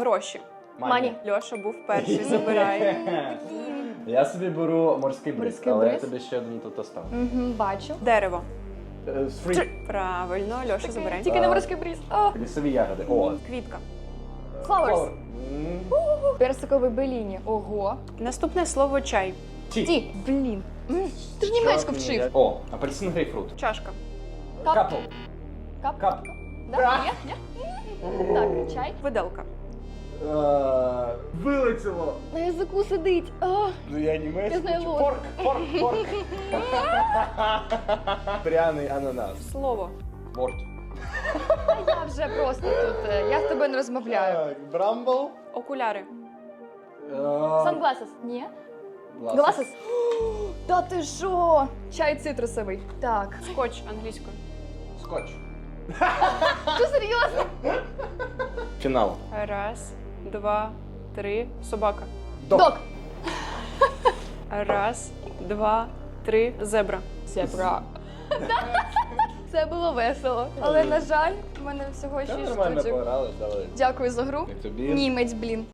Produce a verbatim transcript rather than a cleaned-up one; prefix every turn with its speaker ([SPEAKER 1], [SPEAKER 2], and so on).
[SPEAKER 1] Гроші.
[SPEAKER 2] Мані.
[SPEAKER 1] Льоша був перший, забирай.
[SPEAKER 3] Я собі беру морський бриз,
[SPEAKER 2] Морський
[SPEAKER 3] але я
[SPEAKER 2] бриз?
[SPEAKER 3] тобі ще один тут оставлю.
[SPEAKER 2] Угу, бачу.
[SPEAKER 1] Дерево.
[SPEAKER 3] Е, Фрі.
[SPEAKER 1] Правильно, Льоша, забирай.
[SPEAKER 2] Тільки не морський бриз. О,
[SPEAKER 3] Лісові ягоди. О.
[SPEAKER 1] Квітка.
[SPEAKER 2] flowers.
[SPEAKER 3] М.
[SPEAKER 2] Персиковий беліні. Ого.
[SPEAKER 1] Наступне слово чай.
[SPEAKER 3] Ті.
[SPEAKER 2] Ті. Блін. М, Ти ж німецьку вчив.
[SPEAKER 3] О, апельсин, грейпфрут.
[SPEAKER 1] Чашка.
[SPEAKER 2] Кап.
[SPEAKER 3] Капл.
[SPEAKER 2] Кап.
[SPEAKER 3] Кап.
[SPEAKER 2] Да? Ні? Ні? Так, чай.
[SPEAKER 1] Виделка.
[SPEAKER 3] Е, Вилетіло.
[SPEAKER 2] На язику сидить. О,
[SPEAKER 3] Ну я німецький.
[SPEAKER 2] Я знаю
[SPEAKER 3] чи-
[SPEAKER 2] ложку.
[SPEAKER 3] Порк, порк, порк. Пряний ананас.
[SPEAKER 1] Слово.
[SPEAKER 3] Борт.
[SPEAKER 2] я вже просто тут. е, Я з тобою не розмовляю.
[SPEAKER 3] Так, брамбл.
[SPEAKER 1] Окуляри.
[SPEAKER 3] Е,
[SPEAKER 2] Sunglasses. Ні?
[SPEAKER 3] Glasses.
[SPEAKER 2] Glasses. Та ти що? Чай цитрусовий. Так.
[SPEAKER 1] Скотч англійською.
[SPEAKER 3] Скотч.
[SPEAKER 2] Що серйозно?
[SPEAKER 3] Фінал.
[SPEAKER 1] Раз, два, три. Собака.
[SPEAKER 3] Док.
[SPEAKER 2] Док.
[SPEAKER 1] Раз, два, три. Зебра.
[SPEAKER 2] Зебра. Це було весело. Але, на жаль, в мене всього
[SPEAKER 3] Та
[SPEAKER 2] шість
[SPEAKER 3] нормально
[SPEAKER 2] штучок.
[SPEAKER 3] пограли, давай.
[SPEAKER 2] Дякую за гру.
[SPEAKER 3] І тобі.
[SPEAKER 2] Німець, блін.